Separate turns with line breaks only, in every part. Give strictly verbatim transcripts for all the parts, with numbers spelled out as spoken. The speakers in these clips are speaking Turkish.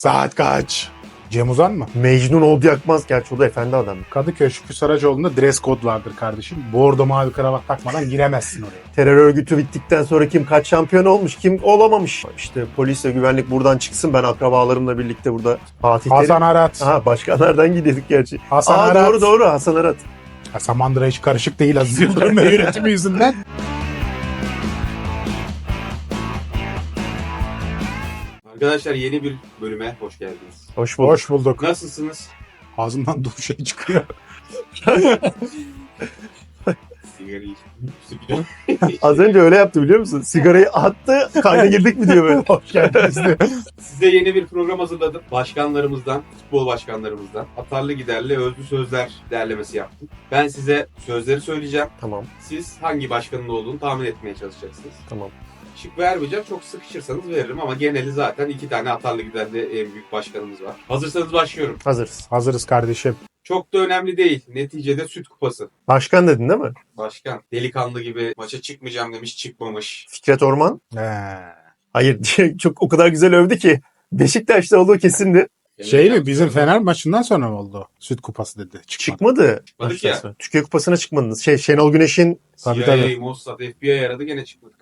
Saat kaç? Cem Uzan mı?
Mecnun oldu yakmaz. Gerçi o da efendi adam.
Kadıköy Şükrü Saracoğlu'nda dress code vardır kardeşim. Bordo mavi kravat takmadan giremezsin oraya.
Terör örgütü bittikten sonra kim kaç şampiyon olmuş, kim olamamış. İşte polisle güvenlik buradan çıksın. Ben akrabalarımla birlikte burada Fatih Terim.
Hasan Arat.
Aha, başkanlardan gidiyorduk gerçi.
Hasan
Aa,
Arat.
doğru doğru Hasan Arat.
Ha, Samandıra hiç karışık değil Aziz Yıldırım ve yönetimi yüzünden.
Arkadaşlar yeni bir bölüme hoş geldiniz.
Hoş bulduk.
Hoş bulduk.
Nasılsınız?
Ağzımdan dur şey çıkıyor.
Sigara içtim.
Az önce öyle yaptı biliyor musun? Sigarayı attı, kayda girdik mi diyor böyle. Hoş geldiniz diyor.
Size yeni bir program hazırladım. Başkanlarımızdan, futbol başkanlarımızdan atarlı giderli özlü sözler derlemesi yaptım. Ben size sözleri söyleyeceğim.
Tamam,
Siz hangi başkanın olduğunu tahmin etmeye çalışacaksınız.
tamam.
Şık vermeyeceğim. Çok sıkışırsanız veririm ama geneli zaten iki tane atarlı giderli en büyük başkanımız var. Hazırsanız başlıyorum.
Hazırız.
Hazırız kardeşim.
Çok da önemli değil. Neticede süt kupası.
Başkan dedin değil mi?
Başkan delikanlı gibi maça çıkmayacağım demiş, çıkmamış.
Fikret Orman.
He.
Hayır, çok o kadar güzel övdü ki. Beşiktaş'ta olduğu kesindi.
Şey mi bizim Fener maçından sonra mı oldu? Süt kupası dedi. Çıkmadı.
Çıkmadı.
Çıkmadık
Baştan
ya.
sonra. Türkiye Kupası'na çıkmadınız. Şey, Şenol Güneş'in
Tabii,
C I A,
tabii.
Mossad, F B I aradı gene çıkmadık.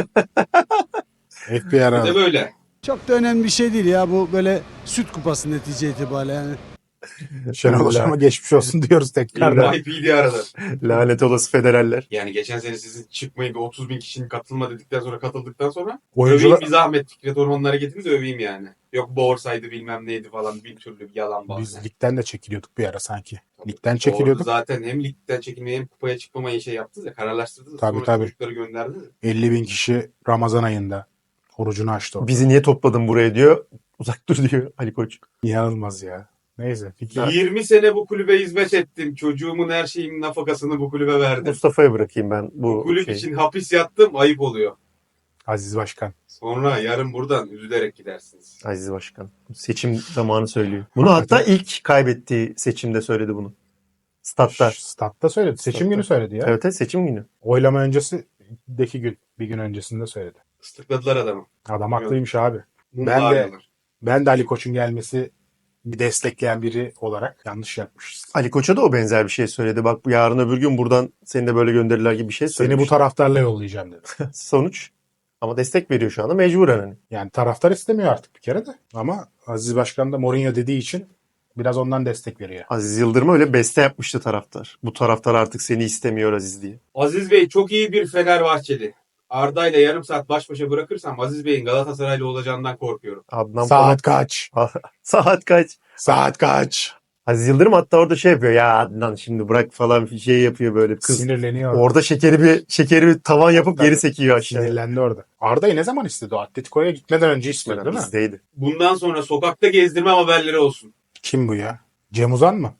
F B I
Bir de
aradı.
böyle.
Çok da önemli bir şey değil ya, bu böyle süt kupası netice itibariyle yani.
Şenol Hocam'a geçmiş olsun diyoruz tekrardan.
Y P D aradı.
lanet olası federaller.
Yani geçen sene sizin çıkmayın bir otuz bin kişinin katılma dedikten sonra katıldıktan sonra
Oyuncular
öveyim bir zahmet Fikret Orman'ın hareketini de öveyim yani. Yok borsaydı bilmem neydi falan bir türlü bir yalan bahane.
biz ligden de çekiliyorduk bir ara sanki.
Tabii.
Ligden
Orada
çekiliyorduk.
zaten hem ligden çekilmeyi hem kupaya çıkmamayı şey yaptınız ya, kararlaştırdınız.
Tabii,
Sonra
tabii.
çocukları gönderdiniz.
elli bin kişi Ramazan ayında orucunu açtı orada.
Bizi niye topladın buraya diyor. Uzak dur diyor Ali Koç.
İnanılmaz ya. Neyse. Fikret.
yirmi sene bu kulübe hizmet ettim. Çocuğumun her şeyin nafakasını bu kulübe verdim.
Mustafa'ya bırakayım ben
Bu
bu
kulüp
şeyi.
için hapis yattım, ayıp oluyor.
Aziz Başkan.
Sonra yarın buradan üzülerek gidersiniz.
Aziz Başkan. Seçim zamanı söylüyor. Bunu hatta ilk kaybettiği seçimde söyledi bunu. Statta.
Şş, Statta söyledi. Seçim
Statta.
günü söyledi ya.
Evet, evet seçim günü.
Oylama öncesindeki gün. Bir gün öncesinde söyledi.
Islıkladılar adamı.
Adam haklıymış abi.
Mumla
Ben de-
arıyorlar.
Ben de Ali Koç'un gelmesi bir destekleyen biri olarak yanlış yapmışız.
Ali Koç'a da o benzer bir şey söyledi. Bak yarın öbür gün buradan seni de böyle gönderirler gibi bir şey
Seni
söylemiş.
bu taraftarla yollayacağım dedi.
Sonuç. Ama destek veriyor şu anda mecburen hani.
Yani taraftar istemiyor artık bir kere de. Ama Aziz Başkan da Mourinho dediği için biraz ondan destek veriyor.
Aziz Yıldırım'a öyle beste yapmıştı taraftar. Bu taraftar artık seni istemiyor Aziz diye.
Aziz Bey çok iyi bir Fenerbahçeli. Arda ile yarım saat baş başa bırakırsam Aziz Bey'in Galatasaraylı olacağından korkuyorum.
Adnan
Saat kaç?
Polat- Saat kaç?
Saat kaç?
Aziz Yıldırım hatta orada şey yapıyor. Ya Adnan şimdi bırak falan bir şey yapıyor böyle. Kız
Sinirleniyor.
orada şekeri bir şekeri bir tavan yapıp
Tabii.
geri sekiyor aşağıya.
Sinirlendi orada. Arda'yı ne zaman istedi o? Atletico'ya gitmeden önce istedi değil mi?
Bizdeydi.
Bundan sonra sokakta gezdirmem haberleri olsun.
Kim bu ya? Cem Uzan mı?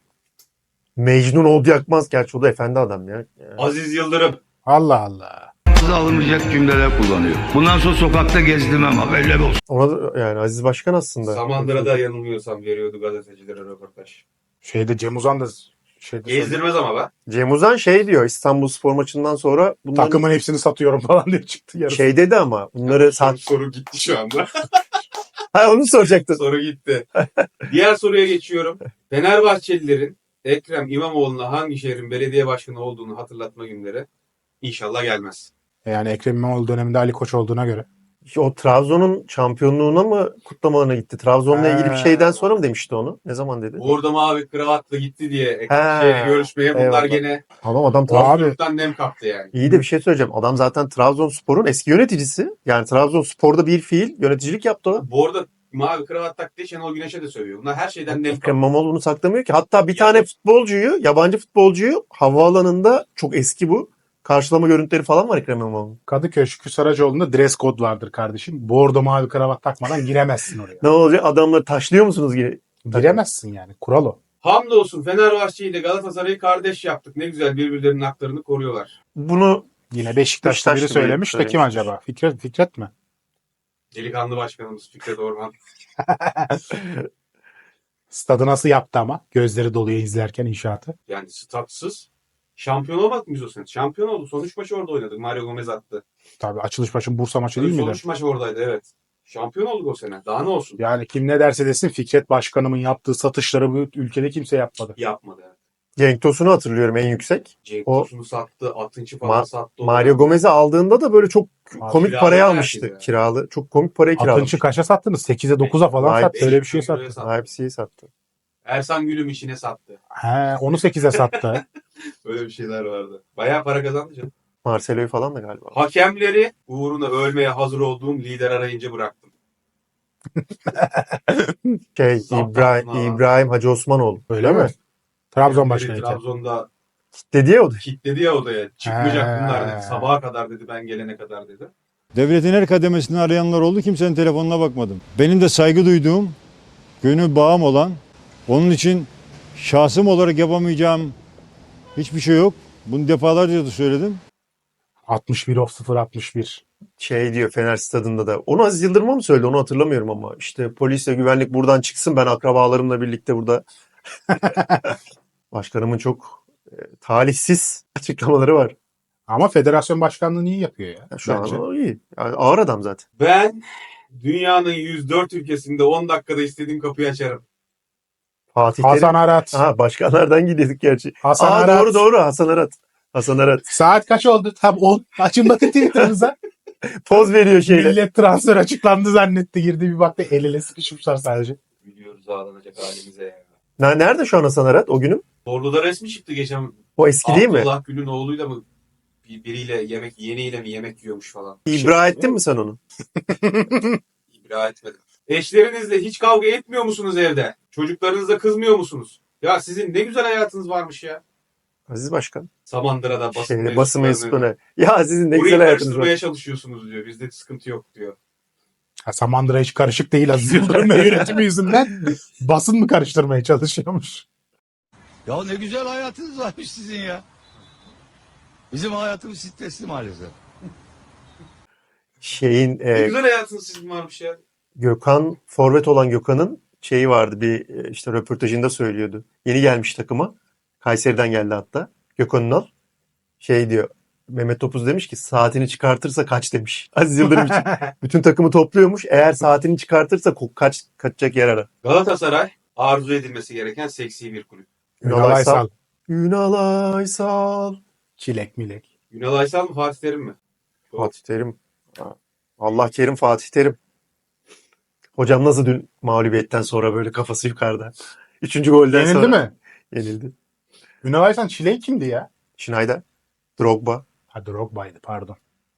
Mecnun oldu yakmaz. Gerçi o da efendi adam ya. Ya.
Aziz Yıldırım.
Allah Allah.
Ağza alınmayacak cümleler kullanıyor. Bundan sonra sokakta gezdirmem haberler olsun.
Ona da, yani Aziz Başkan aslında.
Samandıra'da yanılmıyorsam veriyordu gazetecilere röportaj.
Şeyde Cem Uzan da şeyde söyledi.
Gezdirmez ama be.
Cem Uzan şey diyor İstanbul Spor maçından sonra bunların
Takımın hepsini satıyorum falan diye çıktı yarısı.
şey dedi ama bunları
Soru,
sat.
soru gitti şu anda.
Ha onu soracaktın.
Soru gitti. Diğer soruya geçiyorum. Fenerbahçelilerin Ekrem İmamoğlu'na hangi şehrin belediye başkanı olduğunu hatırlatma günleri inşallah gelmez.
Yani Ekrem İmamoğlu döneminde Ali Koç olduğuna göre.
O Trabzon'un şampiyonluğuna mı kutlamalarına gitti? Trabzon'la ilgili bir
Ha.
şeyden sonra mı demişti onu? Ne zaman dedi?
Orada mavi kravatla gitti diye Ekrem
Ha,
şehre görüşmeye bunlar
eyvallah.
gene
Tamam adam Trabzon.
Abi
Trabzon'dan nem kaptı yani.
İyi de bir şey söyleyeceğim. Adam zaten Trabzonspor'un eski yöneticisi. Yani Trabzonspor'da bir fiil yöneticilik yaptı o.
Bu arada mavi kravat taktığı Şenol Güneş'e de sövüyor. Bunlar her şeyden nem
Ekrem
kaptı.
İmamoğlu bunu saklamıyor ki. Hatta bir
Ya-
tane futbolcuyu, yabancı futbolcuyu havaalanında çok eski bu. Karşılama görüntüleri falan var Ekrem İmamoğlu'nun.
Kadıköy Şükrü Saracoğlu'nda dress code vardır kardeşim. Bordo mavi kravat takmadan giremezsin oraya.
Ne olacak? Adamları taşlıyor musunuz yine?
Giremezsin yani. Kural o.
Hamdolsun Fenerbahçe ile Galatasaray'ı kardeş yaptık. Ne güzel birbirlerinin haklarını koruyorlar.
Bunu
Yine Beşiktaş'ta biri
Beşiktaşlı biri
söylemiş de kim
söylemiş.
acaba? Fikret, Fikret mi?
Delikanlı başkanımız Fikret Orman.
Stadı nasıl yaptı ama? Gözleri doluyor izlerken inşaatı.
Yani statsız. Şampiyon olmadık mı biz o sene? Şampiyon oldu. Son üç maçı orada oynadık. Mario Gomez attı.
Tabii açılış başın Bursa maçı değil
Son
miydi?
üç maç oradaydı evet. Şampiyon olduk o sene. Daha ne olsun?
Yani kim ne derse desin Fikret Başkanımın yaptığı satışları bu ülkede kimse yapmadı.
Yapmadı.
Cenk Tosun'u hatırlıyorum en yüksek.
Cenk
O-
Tosun'u sattı. Atınç'ı falan
Ma-
sattı. o
Mario
dönemde.
Gomez'i aldığında da böyle çok komik
kiralı
paraya
herkes
almıştı.
ya.
Kiralı. Çok komik paraya kiralamıştı.
Atınç'ı kaça sattınız? sekize dokuza falan
Vay
sattı.
be.
Öyle bir şey
beş milyon
sattı.
liraya
Leipzig'i sattı.
Ersan Gül'üm işine sattı.
He, onu sekize sattı.
Öyle bir şeyler vardı. Bayağı para kazandı canım.
Marcelo'yu falan da galiba.
Hakemleri uğruna ölmeye hazır olduğum lider arayınca bıraktım.
Şey,
Saptan
İbrahim,
sonra-
İbrahim Hacı Osmanoğlu.
Öyle
Değil
mi?
mi?
Trabzon
Hakemleri
başkanıyken.
Trabzon'da
Dedi ya o da.
kilitledi ya odaya. Çıkmayacak
He.
bunlar dedi. Sabaha kadar dedi, ben gelene kadar dedi.
Devletin her kademesini arayanlar oldu. Kimsenin telefonuna bakmadım. Benim de saygı duyduğum, gönül bağım olan, onun için şahsım olarak yapamayacağım hiçbir şey yok. Bunu defalarca da söyledim.
altmış bir of sıfır altmış bir.
Şey diyor Fener Stadında da. Onu Aziz Yıldırım'a mı söyledi? Onu hatırlamıyorum ama. İşte polisle güvenlik buradan çıksın. Ben akrabalarımla birlikte burada. Başkanımın çok e, talihsiz açıklamaları var.
Ama federasyon başkanlığını iyi yapıyor ya.
Ya şu
bence.
an o iyi. Yani ağır adam zaten.
Ben dünyanın yüz dört ülkesinde on dakikada istediğim kapıyı açarım.
Fatih Terim.
Hasan Arat.
Aha, başkanlardan gidiyorduk gerçi.
Hasan
Aa,
Arat.
doğru doğru Hasan Arat. Hasan Arat.
Saat kaç oldu? Tam on. Açın bakın Twitter'ınıza.
Poz veriyor şeyle.
Millet transfer açıklandı zannetti. Girdi bir baktı el ele sıkışmışlar sadece.
Biliyoruz ağlanacak halimize ya.
Ne- Nerede şu an Hasan Arat o günün?
Ordu'da resmi çıktı geçen.
O eski değil mi?
Abdullah Gül'ün oğluyla mı bir- biriyle yemek, yeğeniyle mi yemek yiyormuş falan.
İbra ettin mi sen onu?
İbra etmedim. Eşlerinizle hiç kavga etmiyor musunuz evde? Çocuklarınızla kızmıyor musunuz? Ya sizin ne güzel hayatınız varmış ya.
Aziz Başkan.
Samaندıra'da basın
Şeyde, basın
mensuplarını
mensuplarına. Ya sizin ne
burayı
güzel hayatınız var.
karıştırmaya çalışıyorsunuz diyor. Bizde sıkıntı yok diyor.
Ha, Samandıra hiç karışık değil Aziz Yıldırım ve yönetimi yüzünden basın mı karıştırmaya çalışıyormuş?
Ya ne güzel hayatınız varmış sizin ya. Bizim hayatımız stresli maalesef.
Şeyin
Ne
e,
güzel hayatınız sizin varmış ya.
Gökhan, forvet olan Gökhan'ın şeyi vardı bir e, işte röportajında söylüyordu. Yeni gelmiş takıma. Kayseri'den geldi hatta. Gökhan Ünal. Şey diyor. Mehmet Topuz demiş ki saatini çıkartırsa kaç demiş. Aziz Yıldırım için. Bütün takımı topluyormuş. Eğer saatini çıkartırsa ko- kaç kaçacak yer ara.
Galatasaray arzu edilmesi gereken seksi bir kulüp.
Ünal Aysal.
Ünal Aysal.
Çilek milek.
Ünal Aysal mı Fatih Terim mi?
Fatih Terim. Allah kerim Fatih Terim. Hocam nasıl dün mağlubiyetten sonra böyle kafası yukarıda. Üçüncü golden
Yenildi
sonra.
mi?
Yenildi.
Ünal Aysal Çilek kimdi ya?
Schneider. Drogba.
Ha Drogba'ydı pardon.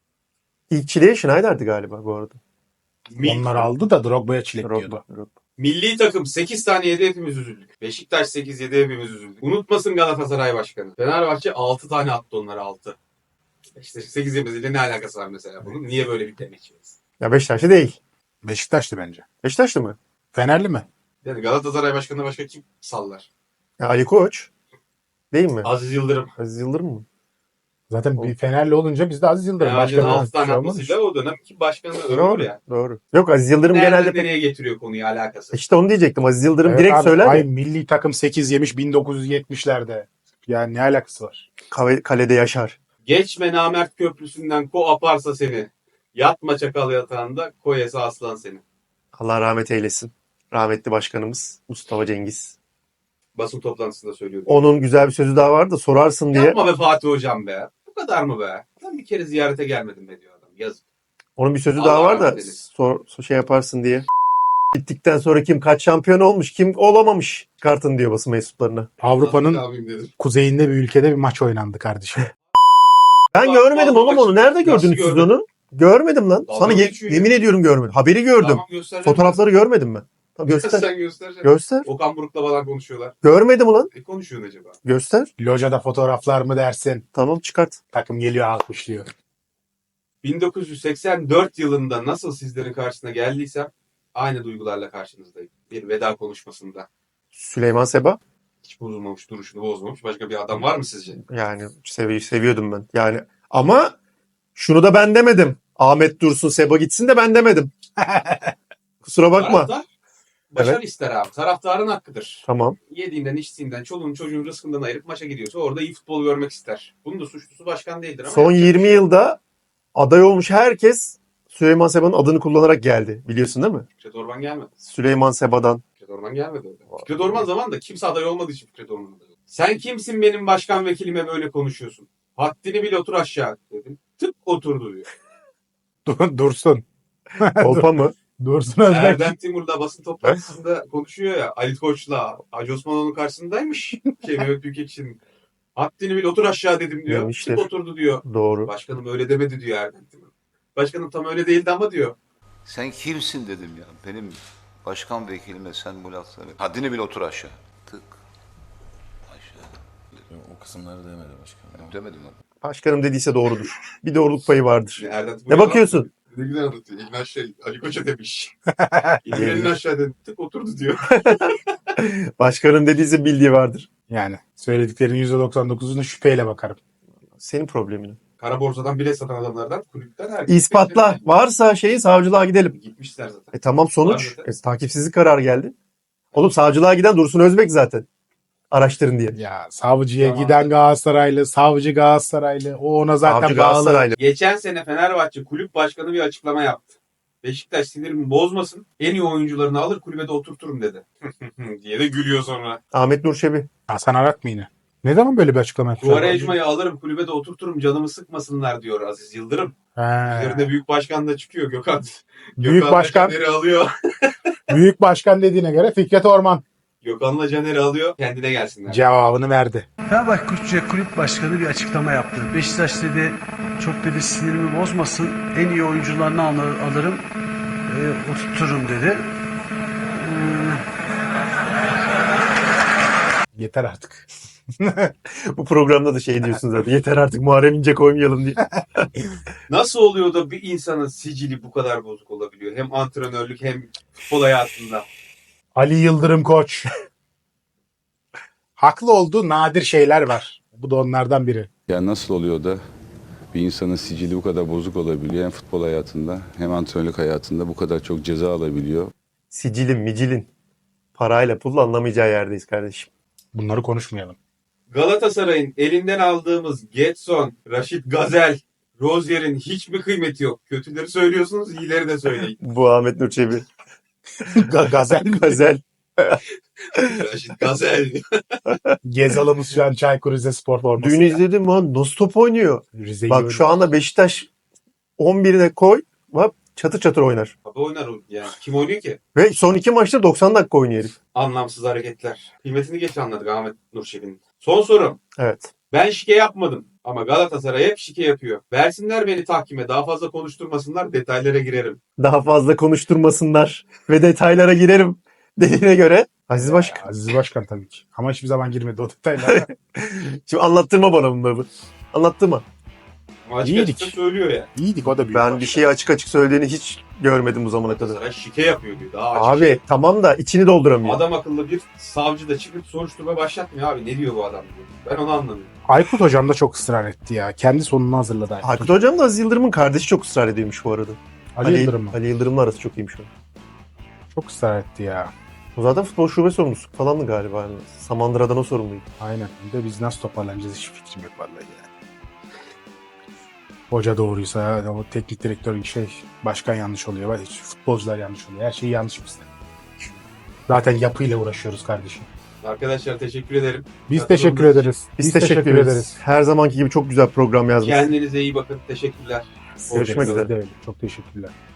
İlk çileği Schneider'di galiba bu arada.
Mil-
Onlar aldı da Drogba'ya çilek diyordu.
Drogba. Drogba.
Milli takım sekiz tane yedi, hepimiz üzüldük. Beşiktaş sekiz yedi, hepimiz üzüldük. Unutmasın Galatasaray Başkanı. Fenerbahçe altı tane attı onlara altı. İşte sekiz yemesiyle ne alakası var mesela bunun? Niye böyle bir demek yiyoruz?
Ya Beşiktaşlı değil.
Beşiktaş'tı bence.
Beşiktaşlı mı?
Fenerli mi?
Yani Galatasaray Başkanı'na başka kim sallar?
Ya Ali Koç. Değil mi?
Aziz Yıldırım.
Aziz Yıldırım mı?
Zaten bir Fenerli olunca biz de Aziz Yıldırım.
Fenerbahçe'nin
Başka
altı tane
bir şey olmamış.
atmasıyla o dönemki başkanı övülür
Doğru.
ya.
Doğru. Yok Aziz Yıldırım
Nereden
genelde...
nereye getiriyor konuyu alakası?
İşte onu diyecektim. Aziz Yıldırım
Evet
direkt
abi,
söyler
ay
ya.
milli takım sekiz yemiş bin dokuz yüz yetmişlerde. Yani ne alakası var?
Kale- Kalede yaşar.
Geçme namert köprüsünden ko aparsa seni. Yatma çakal yatağında koyesa aslan seni.
Allah rahmet eylesin. Rahmetli başkanımız Mustafa Cengiz.
Basın toplantısında söylüyordu.
Onun güzel bir sözü daha vardı. Sorarsın diye.
Yapma be Fatih Hocam be. Bu kadar mı be? Ben bir kere ziyarete gelmedim be diyor adam. Yazık.
Onun bir sözü
Allah
daha var da
rahmet eylesin.
sor, sor- şey yaparsın diye. Bittikten sonra kim kaç şampiyon olmuş, kim olamamış kartın diyor basın mensuplarına.
Avrupa'nın
Ne yapayım dedim.
kuzeyinde bir ülkede bir maç oynandı kardeşim.
Ben
Bak,
görmedim
bak,
oğlum
bak.
onu. Nerede
Nasıl
gördünüz siz
görmedin?
onu? Görmedim lan.
Dalga
Sana ye-
geçiyor ya.
yemin ediyorum görmedim. Haberi gördüm.
Tamam göstereceğim.
Fotoğrafları görmedim ben. Tamam, göster.
Sen göstereceksin.
Göster.
Okan Buruk'la falan konuşuyorlar.
Görmedim ulan.
Ne konuşuyorsun acaba?
Göster.
Locada fotoğraflar mı dersin?
Tamam çıkart.
Takım geliyor alkışlıyor.
bin dokuz yüz seksen dört yılında nasıl sizlerin karşısına geldiysem aynı duygularla karşınızdayım. Bir veda konuşmasında.
Süleyman Seba.
Hiç bozulmamış, duruşunu bozmamış. Başka bir adam var mı sizce?
Yani sevi seviyordum ben. Yani ama şunu da ben demedim. Ahmet Dursun Seba gitsin de ben demedim. Kusura bakma.
Taraftar başarı
Evet.
ister abi. Taraftarın hakkıdır.
Tamam.
Yediğinden, içtiğinden, çoluğun çocuğun rızkından ayırıp maça gidiyorsa orada iyi futbol görmek ister. Bunun da suçlusu başkan değildir ama.
Son
yapacak bir
yirmi
şey yok.
yılda aday olmuş herkes Süleyman Seba'nın adını kullanarak geldi. Biliyorsun değil mi?
Fikret Orman gelmedi.
Süleyman Seba'dan.
Fikret Orman gelmedi öyle. Fikret Orman zamanında kimse aday olmadığı için Fikret Orman aday oldu. Sen kimsin benim başkan vekilime böyle konuşuyorsun? Haddini bil otur aşağı dedim. Tık oturdu diyor.
Dur- Dursun.
Kolpa mı?
Dursun Özbek.
Erdem Timur da basın toplantısında konuşuyor ya. Ali Koç'la Hacı Osmanoğlu'nun karşısındaymış. Şey Mehmet Büyükekşi'nin. Haddini bil otur aşağı dedim diyor.
Demiştir.
Tık oturdu diyor.
Doğru.
Başkanım öyle demedi diyor Erdem Timur. Başkanım tam öyle değildi ama diyor.
Sen kimsin dedim ya. Benim başkan vekilime sen bu lafları. Haddini bil otur aşağı. Tık. Aşağı.
O kısımları demedi başkanım.
Demedim lan.
Başkanım dediyse doğrudur. Bir doğruluk payı vardır.
Erdem Timur
Ne bakıyorsun?
Ne güzel anlatıyor. İlmi aşağı Ali Koç'a demiş. İlmi elini aşağı dedi. Tık oturdu diyor.
Başkanım dediyse bildiği vardır.
Yani söylediklerin yüzde doksan dokuzuna şüpheyle bakarım.
Senin problemin.
Kara borsadan bilet satan adamlardan kulüpten herkes.
İspatla. Varsa şeyi savcılığa gidelim.
Gitmişler zaten.
E tamam sonuç.
Var zaten.
E, takipsizlik kararı geldi. Oğlum savcılığa giden Dursun Özbek zaten. Araştırın diye.
Ya savcıya
Tamam.
giden Galatasaraylı, savcı Galatasaraylı. O ona zaten
Savcı
bağlı.
Galatasaraylı.
Geçen sene Fenerbahçe kulüp başkanı bir açıklama yaptı. Beşiktaş sinirimi bozmasın. En iyi oyuncularını alır kulübede oturturum dedi. diye de gülüyor sonra.
Ahmet Nur Çebi.
Hasan Arat mı yine? Ne zaman böyle bir açıklama yaptı?
Quaresma'yı alırım kulübede oturturum canımı sıkmasınlar diyor Aziz Yıldırım.
He.
Üzerinde büyük başkan da çıkıyor Gökhan.
Büyük
Gökhan da
başkan,
Caner'i alıyor.
büyük başkan dediğine göre Fikret Orman
Gökhan'la Caner'i alıyor. Kendine gelsinler.
cevabını verdi.
Fenerbahçe Kulüp Başkanı bir açıklama yaptı. Beşiktaş dedi çok dedi sinirimi bozmasın. En iyi oyuncularını alır, alırım. E, oturturum dedi.
Yeter artık.
Bu programda da şey diyorsun zaten. Yeter artık Muharrem İnce koymayalım diye.
Nasıl oluyor da bir insanın sicili bu kadar bozuk olabiliyor? Hem antrenörlük hem futbol hayatında.
Ali Yıldırım Koç. Haklı olduğu nadir şeyler var. Bu da onlardan biri.
Ya nasıl oluyor da bir insanın sicili bu kadar bozuk olabiliyor hem futbol hayatında hem antrenörlük hayatında bu kadar çok ceza alabiliyor.
Sicilin, micilin. Parayla pulla anlamayacağı yerdeyiz kardeşim.
Bunları konuşmayalım.
Galatasaray'ın elinden aldığımız Getson, Raşit Gazel, Rozier'in hiç mi kıymeti yok? Kötüleri söylüyorsunuz, iyileri de söyleyin.
Bu Ahmet Nur Çebi.
Ga- Gazel mi?
Gazel.
Raşit Gazel.
Gezalımız şu an Çaykur Rizespor forması.
Dün izledim lan. Nasıl top oynuyor?
Rize'yi
Bak
öyle-
şu anda Beşiktaş on birine koy. Bak çatır çatır oynar.
Abi oynar o yani. Kim oynuyor ki?
Ve son iki maçta doksan dakika oynuyor herif.
Anlamsız hareketler. Kıymetini geç anladık Ahmet Nurşevi'nin. Son sorum.
Evet.
Ben şike yapmadım. Ama Galatasaray hep şike yapıyor. Versinler beni tahkime. Daha fazla konuşturmasınlar. Detaylara girerim.
Daha fazla konuşturmasınlar ve detaylara girerim dediğine göre Aziz Başkan.
Aziz Başkan tabii ki. Ama hiçbir zaman girmedi o detaylara.
Şimdi anlattırma bana bunları. Anlattırma.
Ama açık
İyiydik.
açık söylüyor ya.
İyiydik o da büyük.
Ben
başkan.
bir şeyi açık açık söylediğini hiç görmedim bu zamana kadar.
Galatasaray şike yapıyor diyor. Daha açık.
Abi tamam da içini dolduramıyor.
Adam akıllı bir savcı da çıkıp soruşturma başlatmıyor abi. Ne diyor bu adam diyor. Ben onu anlamıyorum.
Aykut hocam da çok ısrar etti ya. Kendi sonunu hazırladı Aykut.
Aykut Hocam da Aziz Yıldırım'ın kardeşi çok ısrar ediyormuş bu arada.
Ali Yıldırım mı?
Ali Yıldırım'la arası çok iyiymiş o.
Çok ısrar etti ya.
O zaten futbol şube sorumlusu falandı galiba. Yani Samandıra'dan o sorumluydu.
Aynen. Bir de biz nasıl toparlanacağız hiç fikrim yok vallahi ya. Hoca doğruysa o teknik direktör şey başkan yanlış oluyor. Hiç futbolcular yanlış oluyor. Her şey yanlış bizde. Zaten yapıyla uğraşıyoruz kardeşim.
Arkadaşlar teşekkür ederim.
Biz teşekkür ederiz.
Biz, teşekkür, ederiz. Her zamanki gibi çok güzel program yazmışsın.
Kendinize iyi bakın. Teşekkürler.
Görüşmek
Size
üzere.
de öyle. Çok teşekkürler.